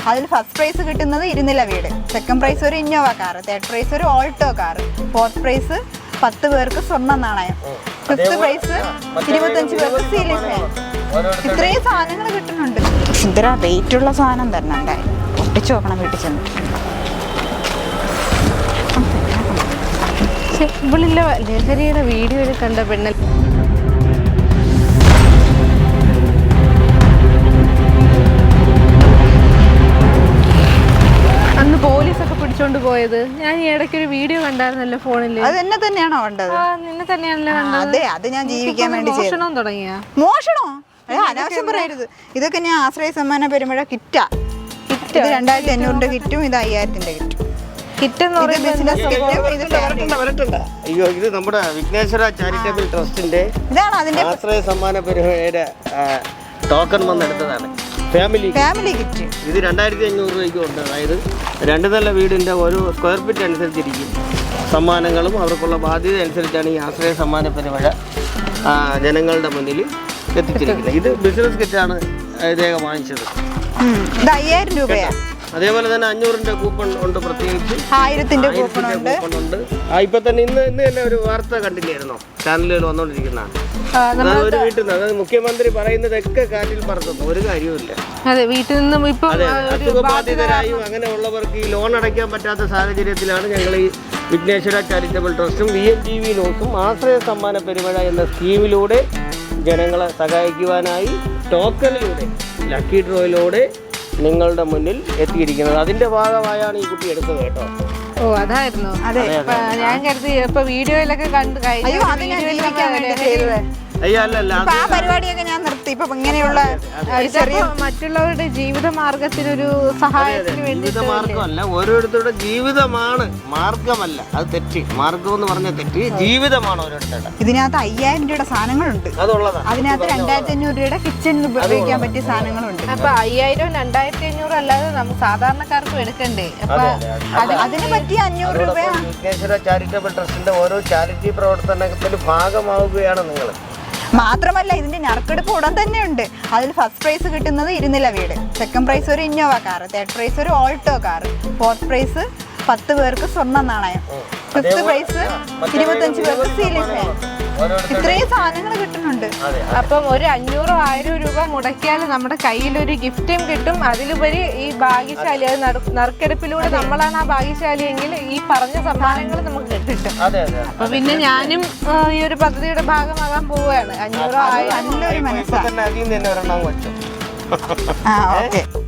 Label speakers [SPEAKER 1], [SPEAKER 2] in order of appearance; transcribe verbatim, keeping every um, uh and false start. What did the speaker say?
[SPEAKER 1] അതിൽ first prize കിട്ടുന്നത് ഇരുനില വീട്, സെക്കൻഡ് പ്രൈസ് ഒരു ഇന്നോവ കാർ, തേർഡ് പ്രൈസ് ഒരു ഓൾട്ടോ കാർ, ഫോർത്ത് പ്രൈസ് പത്ത് പേർക്ക് സ്വർണ്ണ നാണയം, ഫിഫ്ത്ത് പ്രൈസ് ഇരുപത്തഞ്ച് പേർക്ക് സീലിംഗ് ഫാൻ. ഇത്രയും സാധനങ്ങൾ കിട്ടുന്നുണ്ട്. ഇത്ര റേറ്റ് ഉള്ള സാധനം തന്നെ ഉണ്ടായി. ഒട്ടിച്ചു നോക്കണം വീട്ടിൽ ചെന്നിട്ട്.
[SPEAKER 2] ഇവളില്ല ലഹരിയുടെ വീഡിയോയിൽ കണ്ട പെണ്ണ അന്ന് പോലീസൊക്കെ പിടിച്ചോണ്ട് പോയത്. ഞാൻ ഈ ഇടയ്ക്ക് ഒരു വീഡിയോ കണ്ടായിരുന്നല്ലോ ഫോണില്.
[SPEAKER 1] അത് എന്നെ തന്നെയാണോ കണ്ടത്?
[SPEAKER 2] നിന്നെ തന്നെയാണല്ലോ കണ്ടത്.
[SPEAKER 1] അതെ, അത് ഞാൻ ജീവിക്കാൻ വേണ്ടി
[SPEAKER 2] മോഷണം തുടങ്ങിയ
[SPEAKER 1] മോഷണോ? അനാവശ്യം പറയരുത്. ഇതൊക്കെ ഞാൻ ആശ്രയ സമ്മാന പെരുമഴ കിറ്റാ. ഇത് രണ്ടായിരത്തി അഞ്ഞൂറിന്റെ കിറ്റും ഇത് അയ്യായിരത്തിന്റെ കിറ്റും.
[SPEAKER 2] കിറ്റെന്ന്
[SPEAKER 1] പറയുന്നത്
[SPEAKER 3] അയ്യോ, ഇത് നമ്മുടെ വിഘ്നേശ്വര ചാരിറ്റബിൾ ട്രസ്റ്റിന്റെ
[SPEAKER 1] ഇതാണ് അതിന്റെ
[SPEAKER 3] ആശ്രയ സമ്മാന പെരുമഴയുടെ ടോക്കൺ വന്നെടുത്തതാണ്. Family
[SPEAKER 1] family kit.
[SPEAKER 3] ഇത് രണ്ടായിരത്തി അഞ്ഞൂറ് രൂപയ്ക്ക് ഉണ്ട്. അതായത് രണ്ട് നില വീടിൻ്റെ ഓരോ സ്ക്വയർ ഫീറ്റ് അനുസരിച്ചിരിക്കും സമ്മാനങ്ങളും അവർക്കുള്ള ബാധ്യത അനുസരിച്ചാണ് ഈ ആശ്രയ സമ്മാന പെരുമഴ ജനങ്ങളുടെ മുന്നിൽ എത്തിച്ചിരിക്കുന്നത്. ഇത് ബിസിനസ് കിറ്റാണ് ഇദ്ദേഹം വാങ്ങിച്ചത്.
[SPEAKER 1] ഇത് അയ്യായിരം രൂപയാണ്.
[SPEAKER 3] അതേപോലെ തന്നെ അഞ്ഞൂറിന്റെ കൂപ്പൺ ഉണ്ട്, പ്രത്യേകിച്ച്
[SPEAKER 1] ആയിരത്തിന്റെ കൂപ്പൺ ഉണ്ട്.
[SPEAKER 3] ആ ഇപ്പൊ തന്നെ ഇന്ന് ഇന്ന് തന്നെ ഒരു വാർത്ത കണ്ടില്ലായിരുന്നോ ചാനലുകൾ വന്നോണ്ടിരിക്കുന്നതാണ്. ഒരു വീട്ടിൽ നിന്ന്, അതായത് മുഖ്യമന്ത്രി പറയുന്നതൊക്കെ കാറ്റിൽ പറത്തുന്നു, ഒരു കാര്യവുമില്ല.
[SPEAKER 2] അതെ, വീട്ടിൽ നിന്നും ഇപ്പൊ
[SPEAKER 3] അസുഖബാധിതരായും അങ്ങനെയുള്ളവർക്ക് ഈ ലോൺ അടയ്ക്കാൻ പറ്റാത്ത സാഹചര്യത്തിലാണ് ഞങ്ങൾ ഈ വിഘ്നേശ്വര ചാരിറ്റബിൾ ട്രസ്റ്റും വി എം ജി വി നോക്കും ആശ്രയ സമ്മാന പെരുമഴ എന്ന സ്കീമിലൂടെ ജനങ്ങളെ സഹായിക്കുവാനായി ടോക്കണിലൂടെ ലക്കി ഡ്രോയിലൂടെ നിങ്ങളുടെ മുന്നിൽ എത്തിയിരിക്കുന്നത്. അതിന്റെ ഭാഗമായാണ് ഈ കുട്ടി എടുത്തത് കേട്ടോ.
[SPEAKER 2] ഓ, അതായിരുന്നു. അതെ, ഞാൻ കരുതി ഇപ്പൊ വീഡിയോയിലൊക്കെ കണ്ടു കഴിഞ്ഞു.
[SPEAKER 3] അയ്യോ അല്ലല്ല,
[SPEAKER 1] ആ പരിപാടിയൊക്കെ ഞാൻ നിർത്തി. ഇപ്പൊ ഇങ്ങനെയുള്ള
[SPEAKER 2] മറ്റുള്ളവരുടെ ജീവിത മാർഗത്തിനൊരു സഹായത്തിന് വേണ്ടി
[SPEAKER 3] മാർഗമല്ല, ഓരോരുത്തരുടെ ജീവിതമാണ്, മാർഗമല്ല. അത് തെറ്റ്. മാർഗം എന്ന് പറഞ്ഞ തെറ്റ്, ജീവിതമാണ് ഓരോരുത്തരുടെ.
[SPEAKER 1] ഇതിനകത്ത് അയ്യായിരം രൂപയുടെ സാധനങ്ങളുണ്ട്.
[SPEAKER 3] അതുള്ളതാണ്.
[SPEAKER 1] അതിനകത്ത് രണ്ടായിരത്തി അഞ്ഞൂറ് രൂപയുടെ കിച്ചൺ ഉപയോഗിക്കാൻ പറ്റിയ സാധനങ്ങളുണ്ട്.
[SPEAKER 2] അപ്പൊ അയ്യായിരം രണ്ടായിരത്തി അഞ്ഞൂറ് അല്ലാതെ നമുക്ക് സാധാരണക്കാർക്കും എടുക്കണ്ടേ? അപ്പൊ
[SPEAKER 1] അതിന് പറ്റിയ അഞ്ഞൂറ് രൂപയാണ്.
[SPEAKER 3] വിഘ്നേശ്വര ചാരിറ്റബിൾ ട്രസ്റ്റിന്റെ ഓരോ ചാരിറ്റി പ്രവർത്തനത്തിൽ ഭാഗമാവുകയാണ് നിങ്ങൾ.
[SPEAKER 1] മാത്രമല്ല, ഇതിന്റെ നറുക്കെടുപ്പ് ഉടൻ തന്നെ ഉണ്ട്. അതിൽ ഫസ്റ്റ് പ്രൈസ് കിട്ടുന്നത് ഇരുനില വീട്, സെക്കൻഡ് പ്രൈസ് ഒരു ഇന്നോവ കാർ, തേർഡ് പ്രൈസ് ഒരു ഓൾട്ടോ കാർ, ഫോർത്ത് പ്രൈസ് പത്ത് പേർക്ക് സ്വർണ്ണ നാണയം, ഫിഫ്ത്ത് പ്രൈസ് ഇരുപത്തഞ്ച് പേർക്ക് സീലിംഗ് ഫാൻ. ഇത്രയും സാധനങ്ങൾ കിട്ടുന്നുണ്ട്.
[SPEAKER 2] അപ്പം ഒരു അഞ്ഞൂറോ ആയിരം രൂപ മുടക്കിയാൽ നമ്മുടെ കയ്യിലൊരു ഗിഫ്റ്റും കിട്ടും. അതിലുപരി ഈ ഭാഗ്യശാലി, അത് നറുക്കെടുപ്പിലൂടെ നമ്മളാണ് ആ ഭാഗ്യശാലി എങ്കിൽ ഈ പറഞ്ഞ സമ്മാനങ്ങൾ നമുക്ക് കിട്ടും. അപ്പൊ പിന്നെ ഞാനും ഈ ഒരു പദ്ധതിയുടെ ഭാഗമാകാൻ പോവുകയാണ്. അഞ്ഞൂറോ ആയിരം
[SPEAKER 1] നല്ലൊരു മനസ്സാണ്.
[SPEAKER 3] തന്നെ അതിൽ നിന്ന് തന്നെ ഒരെണ്ണം വെച്ചു.
[SPEAKER 1] ആ, ഓക്കെ.